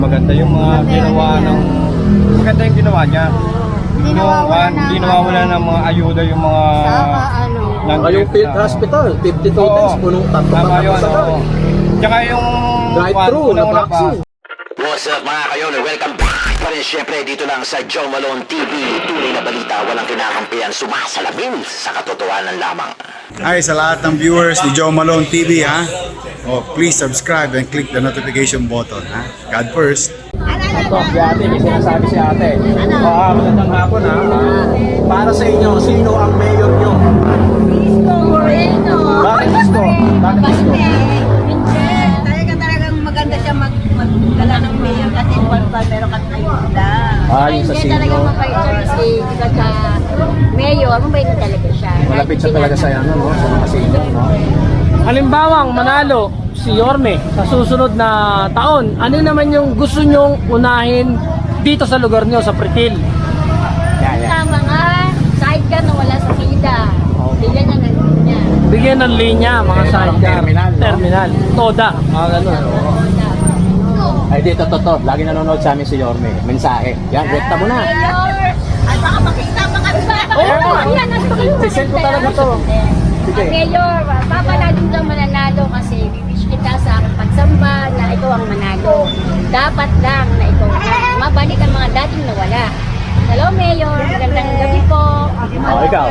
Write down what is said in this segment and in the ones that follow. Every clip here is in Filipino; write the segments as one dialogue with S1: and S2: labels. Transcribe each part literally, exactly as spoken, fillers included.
S1: Maganda yung mga ginawa ng maganda yung ginawa niya.
S2: Hindi
S1: Yung
S2: nawawala
S1: one,
S2: ng
S1: hindi nawawala ng mga ayuda yung mga
S2: Saka ano.
S1: ng-
S3: Yung field hospital, fifty-two
S1: Oo.
S3: days, punong tatlo
S1: Tama
S3: pa
S1: yun,
S3: sa
S1: oo. Tsaka yung
S3: drive-thru na
S1: unang-una pa,
S3: vaccine.
S4: What's up mga kayon? Welcome back pa rin syempre dito lang sa Joe Malone T V. Tunay na balita, walang kinakampihan, sumasalamin sa katotohanan lamang.
S5: Hi sa lahat ng viewers ni Joe Malone T V ha. Oh, please subscribe and click the notification button ha. God first.
S3: Ito, si ate, may sinasabi si ate. Ah, magandang hapon ha. Ah, para sa inyo, sino ang mayor nyo?
S2: Isko Moreno.
S3: Bakit Isko? Bakit Isko?
S2: Talaga talagang maganda siya mag magdala ng mayor kasi buwan-buwan meron kang ayuda.
S3: Ah, yung sa
S6: Hindi
S3: sino?
S6: talaga mabait siya kasi diba sa mayor, mabait na talaga siya.
S3: Malapit siya talaga sa ano, no? Sa mga senior, no?
S7: Halimbawang manalo si Yorme sa susunod na taon, ano naman yung gusto nyong unahin dito sa lugar nyo, sa Pretil?
S3: Yeah, yeah.
S6: Sa mga sidecar na wala sa sida. Bigyan niya ng niya.
S7: Bigyan ng linya, mga
S3: Eh,
S7: sidecar.
S3: terminal, no?
S7: Terminal. Toda, mga ganun.
S3: Ay, dito, to, to. Lagi nanonood sa amin si Yorme. Mensahe. Yan, rekta mo na.
S6: Mayor! At baka makita pa kami ba?
S3: Oo.
S6: Yan, nasa kayo.
S3: Sisend ko talaga to. Sige.
S6: Ang mayor, papaladin lang mananalo kasi wish kita sa aking pagsamba na ikaw ang manalo. Dapat lang na ikaw na mabalik ang mga dating nawala. Hello, Mayor. Magandang gabi po.
S3: Oh, ikaw.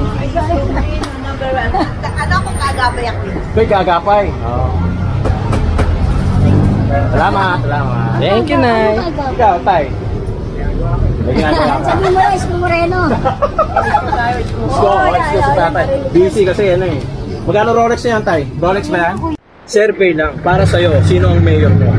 S2: Ano kung kagabay ako?
S3: Ito'y gagapay. Oo. Salamat, salamat.
S7: Thank you, Nay.
S3: Ikaw, Tay. May ginagawa ka.
S6: Sabi mo, Isko Moreno.
S3: Isko, Isko si tatay. Busy kasi yan eh. Magkano Rolex na yan, Tay? Rolex ba yan? Survey lang. Para sa'yo, sino ang mayor mo?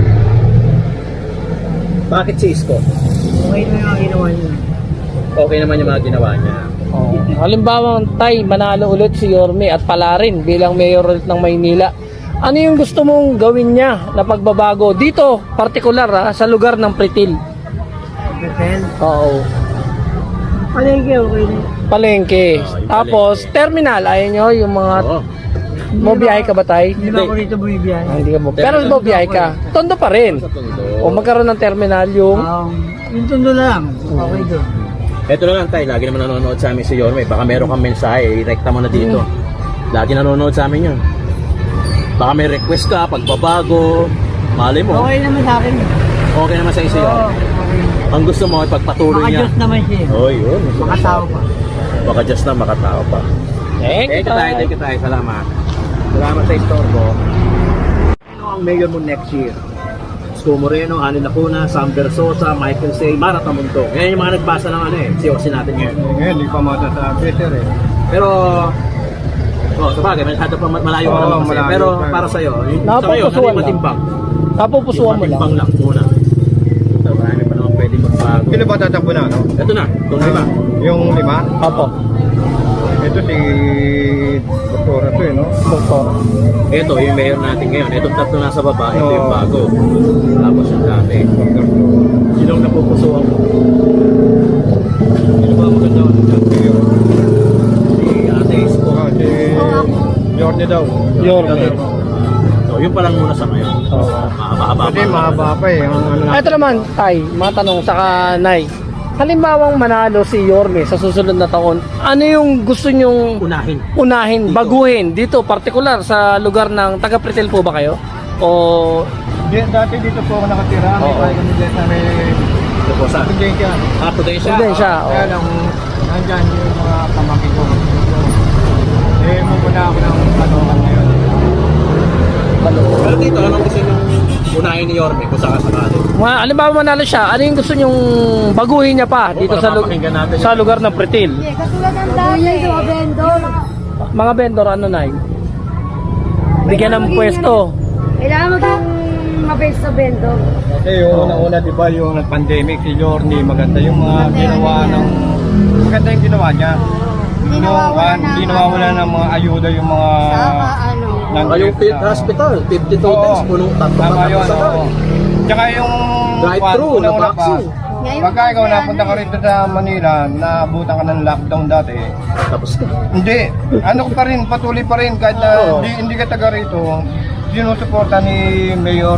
S3: Bakit si Isko?
S7: Okay na yung ginawa niya.
S3: Okay naman yung mga ginawa niya.
S7: Oh. Halimbawang tay, manalo ulit si Yorme at pala rin bilang mayor ulit ng Maynila. Ano yung gusto mong gawin niya na pagbabago dito, partikular ha, sa lugar ng Pretil?
S8: Pretil?
S7: Oo.
S8: Palengke, okay na.
S7: Palengke.
S3: yung
S7: Tapos,
S3: palengke.
S7: terminal, ayaw nyo yung mga...
S3: Oo.
S7: Mobiyahe ka ba tay?
S8: Hindi ba ako rito bumibiyahe?
S7: Ah, hindi ka mo. Pero mobiyahe ka. Tondo pa rin.
S3: Sa Tondo.
S7: O magkaroon ng terminal yung...
S8: Um, yung tundo na lang. Okay doon.
S3: Ito na lang, Tay. Lagi naman nanonood sa amin si Yorme. Baka meron kang mensahe, i-rekta mo na dito. Lagi nanonood sa amin yun. Baka may request ka, pagbabago. Malay mo.
S8: Okay naman sa akin.
S3: Okay naman sa iyo si
S8: Oo,
S3: Yorme.
S8: okay.
S3: Ang gusto mo, ipagpatuloy niya.
S8: Maka-Diyos naman siya.
S3: Oh, yun.
S8: Makatao pa.
S3: Baka just na makatao pa.
S7: Thank you,
S3: Thank you, Tay.
S7: tay.
S3: Thank you, Tay. Salamat. Salamat sa istorbo. Ano ang mayor mo next year? Isko Moreno, Ani Lacuna, Sam Versosa, Michael Say, Mara Tamuntong. Yan yung mga nagbasa ng ano eh. Siyosi natin ngayon.
S1: ngayon, hindi pa masasabi sir eh.
S3: Pero, oh, sabagay, masyado pa malayo pa
S1: Oo,
S3: naman kasi.
S1: malayo
S3: Pero
S1: pa.
S3: para sa'yo, yung sa ngayon, ano
S7: Napupusuan
S3: yung
S7: lang.
S3: matimbang?
S7: Napupusuan mo
S3: Yung
S7: lang.
S3: matimbang lang muna. Ito, marami pa naman pwede magbago.
S1: Sino ba tatakbo na, no?
S3: Ito na, itong lima.
S1: Yung lima?
S7: Opo.
S1: Ito si Doktora to eh, no?
S7: Doktor.
S3: Ito, yung mayor natin ngayon. Itong tatlo nasa baba, ito yung
S1: Oo.
S3: bago. Tapos yung dati. Sino ang napupusuan mo?
S1: Sino ba maganda ako sa mayor?
S3: Si Ate Isko.
S1: Ah, si Jordan daw.
S7: Yorme.
S3: So, yun pa lang muna sa ngayon. Mahaba-haba
S1: Kasi mahaba pa eh. Ang ano na-
S7: Ito naman, tay, matanong saka Nay. Halimbawang manalo si Yorme sa susunod na taon, ano yung gusto nyong
S3: Unahin.
S7: unahin, baguhin dito, partikular sa lugar ng taga Pretil po ba kayo? O
S1: Di, dati dito po ako nakatira. May
S7: Oo.
S1: bahay kami dito sa may
S3: Ito po sa...
S1: Pudensya.
S3: Ah, Prudensya.
S7: hindi siya?
S1: Kaya lang, nandyan yung mga pamangkin ko. Eh, mumuna ako ng Caloocan ngayon.
S3: Pero dito, anong gusto nyo unahin ni Yorme kung saka sakali?
S7: Ma, halimbawa manalo siya, ano yung gusto nyong baguhin niya pa dito
S3: para
S7: sa, lu-
S3: mapakinggan natin
S7: sa lugar ng Pretil?
S6: Katulad ng dati. Sa mga vendor.
S7: Mga vendor, ano Nay? Bigyan ng pwesto.
S6: Kailangan maging mabait sa vendor.
S1: Kasi yung una-una, di ba, yung pandemic, si Jorni, maganda yung mga ginawa ng... Maganda yung ginawa niya.
S2: Hindi
S1: Yung
S2: nawawala
S1: one,
S2: ng
S1: hindi nawawala ng mga ayuda yung mga...
S2: Saka ano.
S1: ng-
S3: Ah, yung field hospital, fifty-two
S1: Oo.
S3: days, punong tatlo pa
S1: Tama
S3: tapos
S1: yun,
S3: sa
S1: oo. Tsaka yung...
S3: Drive-thru
S1: one,
S3: na
S1: una-una pa,
S3: vaccine.
S2: Ngayon
S1: Pagka ikaw
S2: kasi
S1: napunta ka
S2: ano
S1: rito sa Manila, naabutan ka ng lockdown dati,
S3: Tapos na.
S1: hindi, ano ko pa rin, patuloy pa rin, kahit na
S3: Oo.
S1: hindi, hindi ka taga rito, sinusuporta ni Mayor o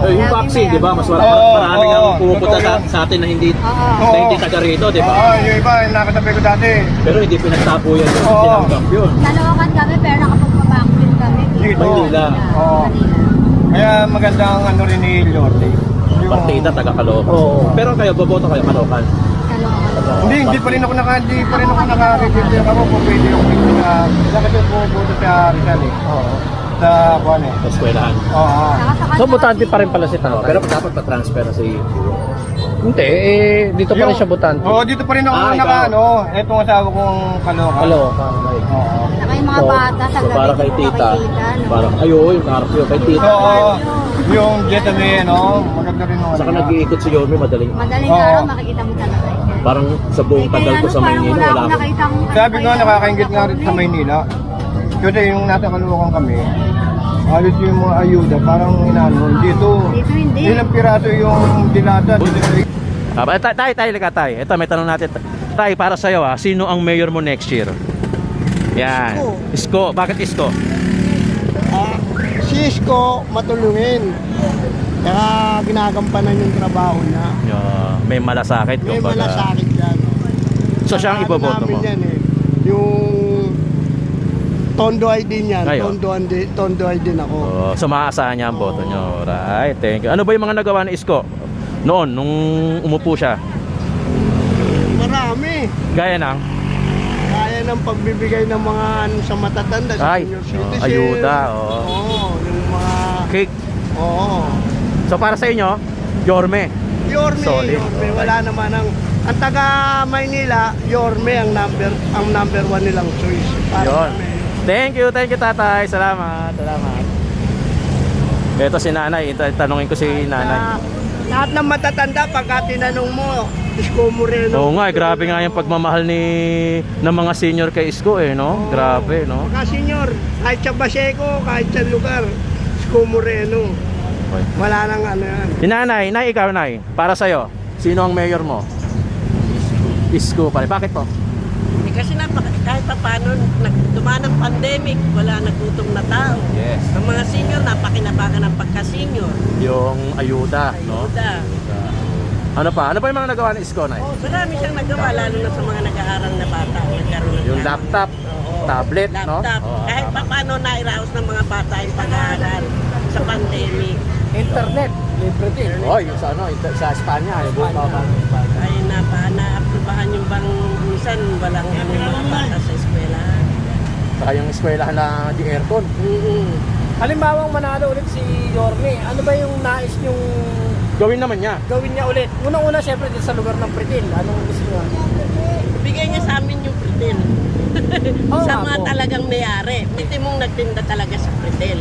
S3: Eh, yung vaccine, di ba? Mas mar-
S1: Oo,
S3: maraming
S1: oo,
S3: ang pumupunta
S1: totoo
S3: sa,
S1: yan.
S3: sa atin na hindi,
S2: Oo.
S3: na hindi taga rito, di ba?
S1: Oo, yung iba, nakatabi ko dati.
S3: Pero hindi pinagtapo yan yun.
S1: Oo.
S3: Tinanggap yun.
S2: Nalokan kami pero nakapagpabaksin kami.
S1: Dito.
S3: Manila.
S1: Oo. Kaya maganda ang ano rin ni Lorde. Yung-
S3: Partida, taga Caloocan.
S7: Oo.
S3: Pero kayo, boboto kayo Caloocan.
S1: Hindi, hindi pa rin ako naka, hindi pa rin ako naka-register ako kung pwede ako dito sa, kasi pupunta sa Rizal eh. Oo. Sa Juan eh.
S3: Sa eskwelahan.
S1: Oo.
S7: So, butante pa rin pala si
S3: Oh,
S7: tatay.
S3: pero dapat pa-transfer na si...
S7: Hindi, eh, dito pa rin siya butante.
S1: Oo, dito pa rin ako
S3: Ah,
S1: naka,
S3: ikaw.
S1: ano, etong asawa kong Caloocan.
S7: Hello, okay.
S1: Oo.
S2: Saka yung mga
S3: So,
S2: bata sa
S3: so
S2: gabi
S3: para kay
S2: po
S3: tita,
S2: makikita, no?
S3: parang, ayo, yung carpio kay tita.
S1: Oo. Yung Jetaway, ano, maganda rin yung
S3: Saka
S1: ano.
S3: nag-iikot si Yorme, madaling.
S2: Madaling
S1: Oo.
S2: araw makikita mo talaga.
S3: Parang sa buong tagal ko sa Maynila, wala
S2: akong
S3: ako.
S2: nakita kong
S1: Sabi ko, nakakaingit nga rin sa Maynila. Kasi yung nasa Caloocan kami, halos yung mga ayuda, parang inano, dito.
S2: Dito hindi.
S1: Ilang piraso yung dilata.
S3: Ah, tay, tay, tay, lika, tay. Ito, may tanong natin. Tay, para sa'yo ah, sino ang mayor mo next year? Yan. Isko. Bakit Isko?
S8: Ah, si Isko matulungin. Kaya ginagampanan yung trabaho niya.
S3: Yo, may malasakit.
S8: May
S3: kumbaga.
S8: malasakit yan.
S3: So siya ang
S8: Saka
S3: iboboto
S8: namin
S3: mo?
S8: Yan, eh. Yung Tondo I D niyan.
S3: Ngayon?
S8: Tondo, I D, Tondo I D ako.
S3: Oh, so maaasahan niya ang boto nyo. Right, thank you. Ano ba yung mga nagawa ni Isko? Noon, nung umupo siya.
S8: Marami.
S3: Gaya ng,
S8: Kaya ng pagbibigay ng mga ano, sa matatanda, sa
S3: ay,
S8: senior
S3: oh,
S8: citizen.
S3: ayuda. Oh.
S8: Oo, yung mga...
S3: Cake.
S8: Oo.
S3: So para sa inyo, Yorme.
S8: Yorme,
S3: Solid.
S8: Yorme. Wala naman ang... Ang taga Maynila, Yorme ang number ang number one nilang choice. Para
S3: Yun.
S8: kami.
S3: Thank you, thank you tatay. Salamat, salamat. Ito si nanay, Ita- tanungin ko si nanay.
S8: Na, lahat ng matatanda, pagka tinanong mo, Isko Moreno.
S3: Oo nga, eh, grabe nga yung pagmamahal ni ng mga senior kay Isko eh, no? Grabe, no?
S8: Pagka senior, kahit sa Baseco, kahit sa lugar, Isko Moreno.
S3: Okay.
S8: Wala nang ano yan.
S3: Si nanay, nay, ikaw nay, para sa'yo, sino ang mayor mo? Isko pala. Bakit po?
S9: Eh, kasi na, kahit pa paano, nag- dumaan ang pandemic, wala nagutom na tao.
S3: Yes.
S9: Ang mga senior, napakinabangan ng pagka-senior.
S3: Yung ayuda, no?
S9: Ayuda.
S3: Ano pa? Ano pa yung mga nagawa ni Isko, nay?
S9: Marami siyang nagawa, lalo na sa mga nag-aaral na bata. Nagkaroon ng
S3: Yung laptop, tablet, no?
S9: laptop.
S3: Oo,
S9: Kahit
S3: tama.
S9: pa paano nairaos ng mga bata yung pag-aaral sa pandemic.
S7: Internet, libre din.
S3: Oh, yung sa ano, ito- sa Espanya, yung buong mga Espanya.
S9: Ay napa, naaprubahan yung bang minsan walang ano yung mga bata sa eskwela.
S3: Saka yung eskwelahan na di aircon.
S9: Mm-mm.
S7: Halimbawa manalo ulit si Yorme, ano ba yung nais niyong
S3: Gawin naman niya.
S7: gawin niya ulit? Unang-una siyempre din sa lugar ng Pritil. Anong gusto niya?
S9: Bigay niya sa amin yung pretel.
S7: Oo
S9: sa
S7: nga
S9: mga
S7: po.
S9: talagang mayari. Hindi mong nagtinda talaga sa pretel.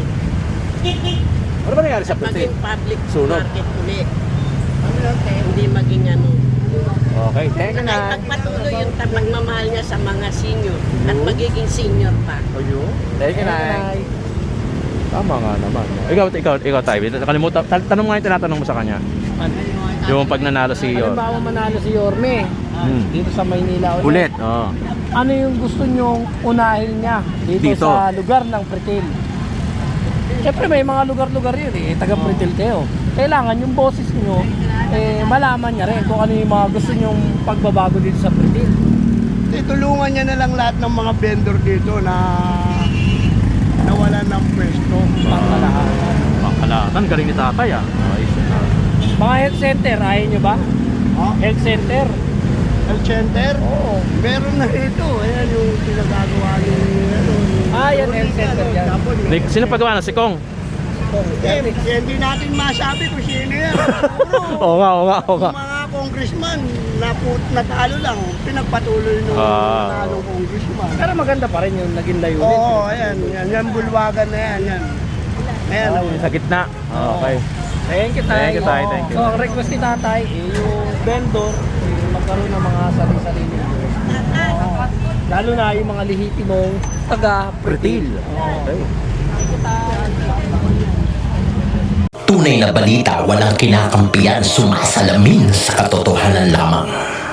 S3: Ano ba nangyari sa Pritil?
S9: Maging public
S3: Sunog.
S9: market ulit. Hindi maging ano.
S3: Okay, thank you
S9: Ay,
S3: na.
S9: pagpatuloy yung ta- pagmamahal niya sa mga senior at magiging senior pa.
S3: Ayun. Thank you, Nay. Tama nga naman. no? Ikaw, ikaw, ikaw tayo. Nakalimutan. Tan- Tanong nga yung tinatanong mo sa kanya. Yung pag nanalo si Yor.
S7: Halimbawa manalo si Yorme
S3: Hmm.
S7: dito sa Maynila ulit.
S3: Ulit. Oh.
S7: Ano yung gusto nyong unahin niya dito,
S3: Dito.
S7: sa lugar ng Pritil? Siyempre may mga lugar-lugar yun eh, taga Pritil kayo. Kailangan yung boses nyo, eh, malaman niya rin kung ano yung mga gusto nyong pagbabago dito sa Pritil.
S8: Itulungan niya na lang lahat ng mga vendor dito na nawalan ng pwesto.
S7: Pangkalahan.
S3: Pangkalatan. Galing ni tatay ah. Ayos yun, ah.
S7: Mga health center, ayaw nyo ba?
S8: Ha?
S7: Health center?
S8: Health center?
S7: Oo.
S8: Meron na ito. Ayan yung pinagagawa ni... Ano, ni-
S7: Ah, yan, health center yan.
S8: Tapos yung-
S3: Ni- Sino pagawa na? Si Kong?
S8: Eh, hindi natin masabi kung sino yan. Siguro,
S3: Oo nga, oo nga, oo nga.
S8: yung mga congressman, naput, natalo lang, pinagpatuloy nung
S3: Ah.
S8: natalong congressman.
S7: Pero maganda pa rin yung naging layunin.
S8: Oo, ayan, yan, yan, bulwagan na yan, yan. Ayan,
S3: Oh, sa gitna. Okay.
S7: Thank you, Tay.
S3: Thank you, Tay. Thank you.
S7: So, ang request ni Tatay, eh, yung vendor, eh, magkaroon ng mga sarili-sarili. Oo. Lalo na yung mga lehitimong taga-Pritil.
S3: Okay.
S4: Tunay na balita walang kinakampiyan, sumasalamin sa katotohanan lamang.